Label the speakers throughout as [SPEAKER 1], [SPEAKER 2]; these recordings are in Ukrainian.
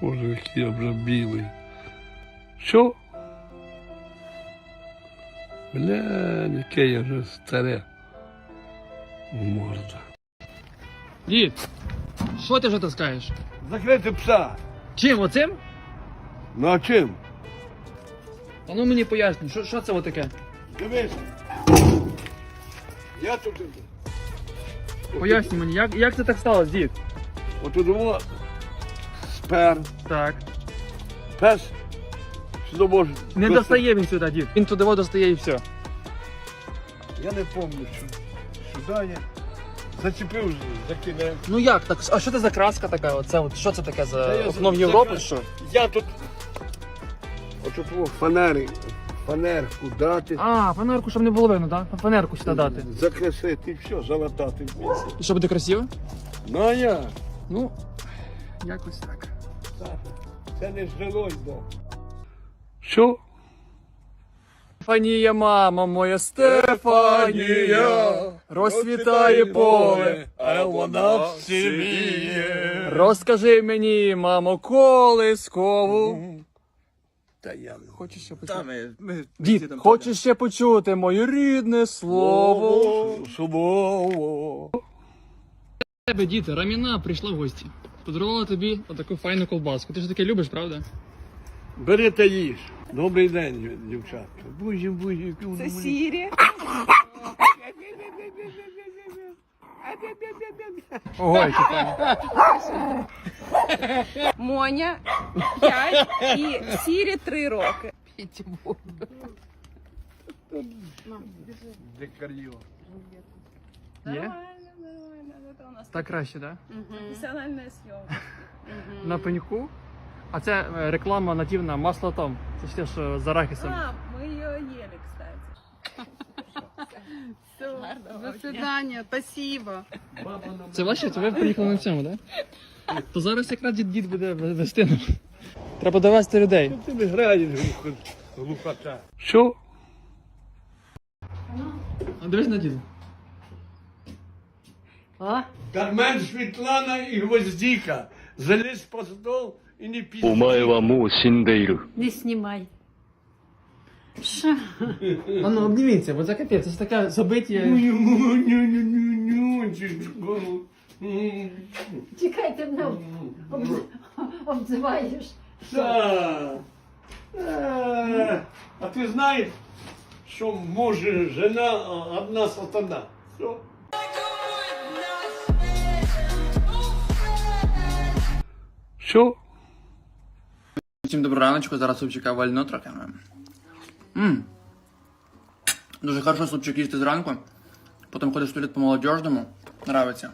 [SPEAKER 1] Боже, який я вже білий. Що? Бля, яке я вже старе. Морда.
[SPEAKER 2] Дід, що ти вже таскаєш?
[SPEAKER 1] Закрити пса.
[SPEAKER 2] Чим, оцим?
[SPEAKER 1] Ну а чим?
[SPEAKER 2] А ну мені поясни, що це отаке?
[SPEAKER 1] Дивись. Я тут.
[SPEAKER 2] Поясни мені, як це так сталося, дід?
[SPEAKER 1] Отут во спер.
[SPEAKER 2] Так.
[SPEAKER 1] Пес. Сюди може.
[SPEAKER 2] Не достає він сюди, дід. Він туди достає і все.
[SPEAKER 1] Я не пам'ятаю, сюди я зачепив, закинув.
[SPEAKER 2] Ну як так? А що це за краска така? Оце от що це таке
[SPEAKER 1] Та
[SPEAKER 2] за
[SPEAKER 1] я
[SPEAKER 2] окно в
[SPEAKER 1] за-
[SPEAKER 2] Європу?
[SPEAKER 1] за-
[SPEAKER 2] Що?
[SPEAKER 1] Я тут. Отут во фанерку дати.
[SPEAKER 2] А, фанерку, щоб не було видно, так? Фанерку сюди дати.
[SPEAKER 1] Закрасити і все, залатати.
[SPEAKER 2] І що буде красиво?
[SPEAKER 1] Ну а я.
[SPEAKER 2] Ну, якось так.
[SPEAKER 1] Це не жилось, да. Що?
[SPEAKER 2] Стефанія, мама моя, Стефанія, розцвітає поле,
[SPEAKER 1] а вона в сивіє.
[SPEAKER 2] Розкажи мені, мамо, колискову.
[SPEAKER 1] Та я
[SPEAKER 2] Хочеш ще почути?
[SPEAKER 3] ми
[SPEAKER 2] Дід, хочеш ще почути моє рідне слово?
[SPEAKER 1] Слово.
[SPEAKER 2] Тебе, дід, Раміна прийшла в гості. Подарувала тобі отаку файну колбаску. Ти ж таке любиш, правда?
[SPEAKER 1] Бери та їж. Добрий день, дівчатка. Бузі.
[SPEAKER 4] Це Сірі.
[SPEAKER 2] Ого, які файні.
[SPEAKER 4] Моня 5 і Сірі 3 роки.
[SPEAKER 1] Дикар'йо.
[SPEAKER 2] Є?
[SPEAKER 4] Це у нас
[SPEAKER 2] Так краще, так?
[SPEAKER 4] професіональна зйомка.
[SPEAKER 2] На пеньку. А це реклама нативна масло Том. Це ж те, що з арахісом.
[SPEAKER 4] А, ми її їли, кстати.
[SPEAKER 5] До свидания, спасибо.
[SPEAKER 2] Це ваше? Це ви приїхали на цьому, так? То зараз якраз дід буде вести нам. Треба довести людей.
[SPEAKER 1] Ти не граєш, глухота. Що?
[SPEAKER 2] А дивись на діда.
[SPEAKER 1] Кармен Світлана і Гвоздіка. Заліз по стол і не пізніше.
[SPEAKER 6] お前はもう死んでいる。
[SPEAKER 5] Не снимай. Ша.
[SPEAKER 2] А ну обніміться, бо це капець, це ж таке забиття.
[SPEAKER 5] Чекай, ти мене обзиваєш.
[SPEAKER 1] А ти знаєш, що може жена одна сатана? Що? Що?
[SPEAKER 2] Всім доброго раночку, зараз супчика вально трохи. Дуже хорошо супчик їсти зранку. Потім ходиш в туалет по молодіжному. Нравиться.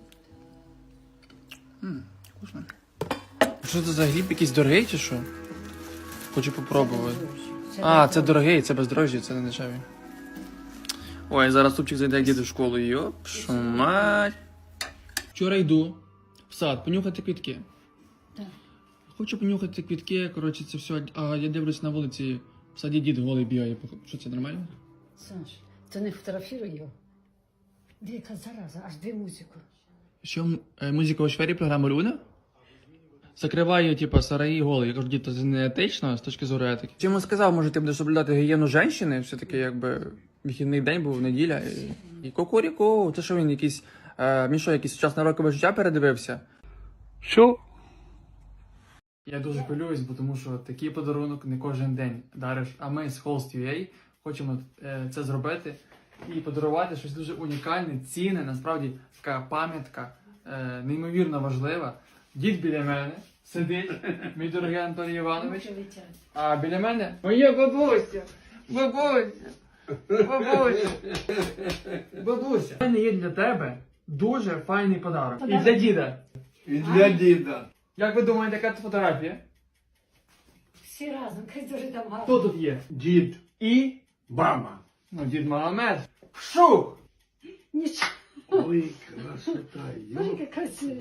[SPEAKER 2] Вкусно. Що це за гриб? Якийсь дорогий чи що? Хочу попробувати. А, це дорогий, це бездорожжя, це не дешевий. Ой, зараз супчик зайде як діти в школу. Йоп, шо мать. Вчора йду в сад понюхати квітки. Хочу понюхати квітки, коротше, це все. А я дивлюсь на вулиці, в саді дід голий бігає. Що це нормально?
[SPEAKER 5] Саш, ти не фотографіруй його. Яка зараза, аж дві музику.
[SPEAKER 2] Що, музика у сфері програми Люна? Закриваю, типа, сараї голий. Я кажу, дід, це не етично з точки зору етики. Чому сказав, може, ти будеш соблюдати гігієну жінки? Все-таки, якби, вихідний день був, неділя. І кукуріку, це що він якийсь, він що, якийсь сучасне рокове життя передивився?
[SPEAKER 1] Що?
[SPEAKER 2] Я дуже хвилююсь, бо тому що такий подарунок не кожен день дариш. А ми з Host.ua хочемо це зробити і подарувати щось дуже унікальне, цінне, насправді така пам'ятка, неймовірно важлива. Дід біля мене сидить, мій дорогий Антоній Іванович, а біля мене моя бабуся, бабуся, бабуся, бабуся. У мене є для тебе дуже файний подарок. І для діда.
[SPEAKER 1] І для діда.
[SPEAKER 2] Як ви думаєте, яка це фотографія?
[SPEAKER 5] Всі разом, хай дуже там гарно.
[SPEAKER 2] Хто тут є?
[SPEAKER 1] Дід.
[SPEAKER 2] І?
[SPEAKER 1] Мама.
[SPEAKER 2] Ну, дід Магомед. Шух!
[SPEAKER 5] Нічого,
[SPEAKER 1] Ой, красота.
[SPEAKER 5] яка красива.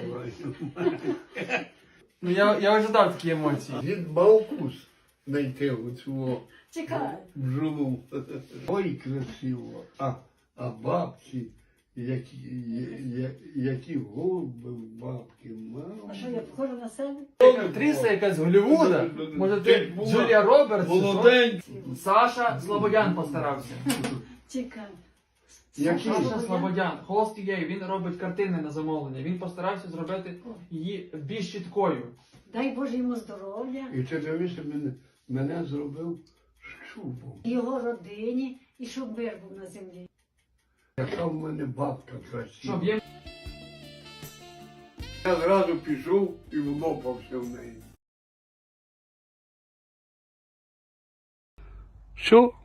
[SPEAKER 2] Ну, я ожидав такі емоції.
[SPEAKER 1] Дід мав вкус знайти оцю
[SPEAKER 5] Чекай.
[SPEAKER 1] бджолу. Ой, красиво. А бабці, які голуби в бабки, мама.
[SPEAKER 5] А що я похожа на себе?
[SPEAKER 2] Актриса якась з Голлівуда. Може ти
[SPEAKER 1] була
[SPEAKER 2] Джулія Робертс? чи що?
[SPEAKER 1] Молоденька.
[SPEAKER 2] Саша Слободян постарався.
[SPEAKER 5] Чекай.
[SPEAKER 1] Який?
[SPEAKER 2] Саша Слободян, Холст Гей, він робить картини на замовлення. Він постарався зробити її більш чіткою.
[SPEAKER 5] Дай Боже йому здоров'я,
[SPEAKER 1] І ти дивишся, мене зробив шубом.
[SPEAKER 5] його родині, і щоб мир був на землі.
[SPEAKER 1] Яка в мене бабка красива.
[SPEAKER 2] Щоб є
[SPEAKER 1] Я зразу пішов і влопався в неї. Що?